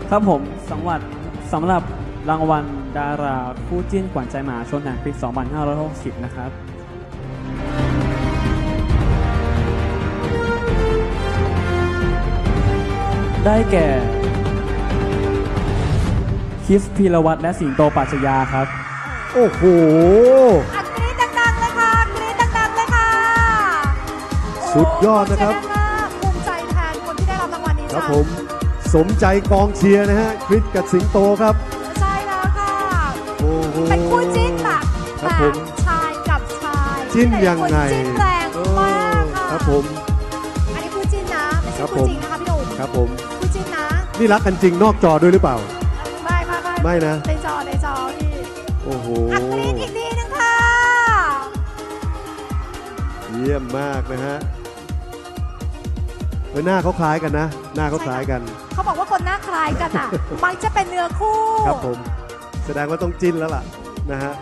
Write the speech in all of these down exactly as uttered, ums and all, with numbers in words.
ครับผมสำหรับสำหรับรางวัลดาราคู่จิ้นขวัญใจมหาชนแห่งปี สองพันห้าร้อยหกสิบ นะครับได้แก่คริสพีรวัตรและสิงโตปรัชญาครับโอ้โหอัดกรี๊ดดังๆเลยค่ะกรี๊ดดังๆเลยค่ะสุดยอดนะครับภูมิใจแทนคนที่ได้รับรางวัลนี้ครับผมสมใจกองเชียร์นะฮะคริสกับสิงโตครับใช่แล้วค่ะโอ้โหเป็นคู่จิ้นแบบแบบชายกับชายจิ้นยังไงจิ้นแรงมากค่ะครับผมอันนี้คู่จิ้นนะไม่ใช่คู่จริงนะคะพี่หนุ่มครับผมคู่จิ้นนะนี่รักกันจริงนอกจอด้วยหรือเปล่าไม่ไม่ไม่ไม่นะในจอในจอพี่โอ้โหอัดกรี๊ดอีกทีนึงค่ะเยี่ยมมากนะฮะหน้าเขาคล้ายกันนะหน้าเขาคล้ายกันเขาบอกว่าคนหน้าคล้ายกันอ่ะมันจะเป็นเนื้อคู่ครับผมแสดงว่าต้องจิ้นแล้วล่ะนะฮะ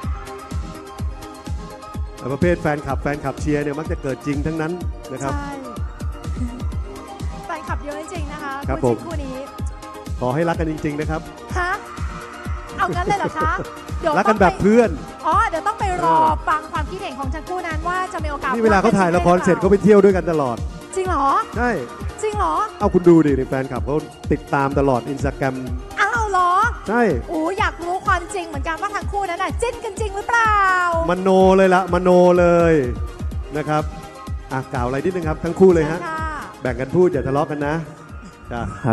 ประเภทแฟนคลับแฟนคลับเชียร์เนี่ยมักจะเกิดจริงทั้งนั้นนะครับใช่แฟนคลับเยอะจริงนะคะครับผมคู่นี้ขอให้รักกันจริงๆนะครับฮะเอางั้นเลยเหรอคะเดี๋ยวรักกันแบบเพื่อนอ๋อเดี๋ยวต้องไปรอฟังความคิดเห็นของทั้งคู่นั้นว่าจะมีโอกาสนี่เวลาเขาถ่ายละครเสร็จเขาไปเที่ยวด้วยกันตลอดจริงเหรอใช่จริงเหรอเอาคุณดูดิในแฟนคลับเขาติดตามตลอดอินสตาแกรมอ้าวเหรอใช่โอ้อยากรู้ความจริงเหมือนกันว่าทั้งคู่นั้นน่ะจิ้นกันจริงหรือเปล่ามโนเลยละมโนเลยนะครับอ่ะกล่าวอะไรนิดนึงครับทั้งคู่เลยฮะแบ่งกันพูดอย่าทะเลาะกันนะครับ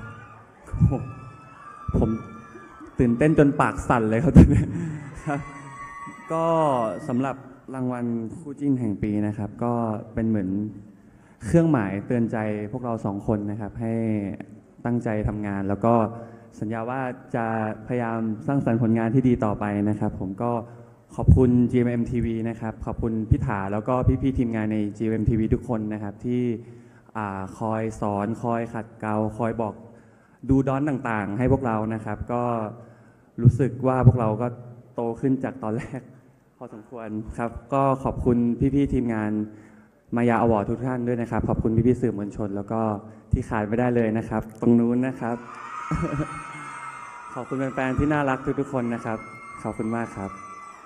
ผมตื่นเต้นจนปากสั่นเลยครับตอนนี้ก็สำหรับรางวัลคู่จิ้นแห่งปีนะครับก็เป็นเหมือนเครื่องหมายเตือนใจพวกเราสองคนนะครับให้ตั้งใจทำงานแล้วก็สัญญาว่าจะพยายามสร้างสรรค์ผลงานที่ดีต่อไปนะครับผมก็ขอบคุณ จี เอ็ม เอ็ม ที วี นะครับขอบคุณพี่ถาแล้วก็พี่ๆทีมงานใน จี เอ็ม เอ็ม ที วี ทุกคนนะครับที่คอยสอนคอยขัดเกลาคอยบอกดูดอนต่างๆให้พวกเรานะครับก็รู้สึกว่าพวกเราก็โตขึ้นจากตอนแรกพอสมควรครับก็ขอบคุณพี่ๆทีมงานมายาอวอร์ดทุกท่านด้วยนะครับขอบคุณพี่ๆสื่อมวลชนแล้วก็ที่ขาดไม่ได้เลยนะครับตรงนู้นนะครับ ขอบคุณแฟนๆที่น่ารักทุกๆคนนะครับขอบคุณมากครับ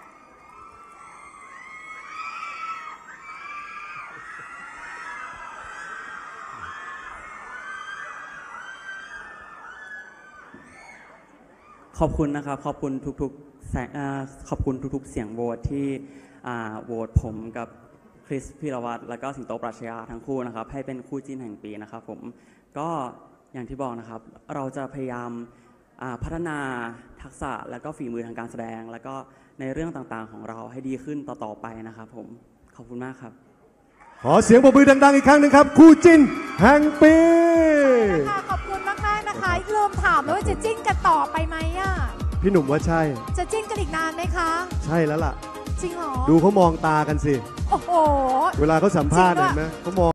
ขอบคุณนะครับขอบคุณทุกๆแสงขอบคุณทุกๆเสียงโหวตที่โหวตผมกับคริสพีรวัตรและก็สิงโตปรัชญาทั้งคู่นะครับให้เป็นคู่จิ้นแห่งปีนะครับผมก็อย่างที่บอกนะครับเราจะพยายามพัฒนาทักษะและก็ฝีมือทางการแสดงและก็ในเรื่องต่างๆของเราให้ดีขึ้นต่อๆไปนะครับผมขอบคุณมากครับขอเสียงปรบมือดังๆอีกครั้งหนึ่งครับคู่จิ้นแห่งปีขอบคุณมากๆนะคะลืมถามเลยว่าจะจิ้นกันต่อไปไหมอ่ะพี่หนุ่มว่าใช่จะจิ้นกันอีกนานไหมคะใช่แล้วล่ะจริงเหรอดูเขามองตากันสิโอ้โหเวลาเขาสัมภาษณ์เห็นไหมเขามอง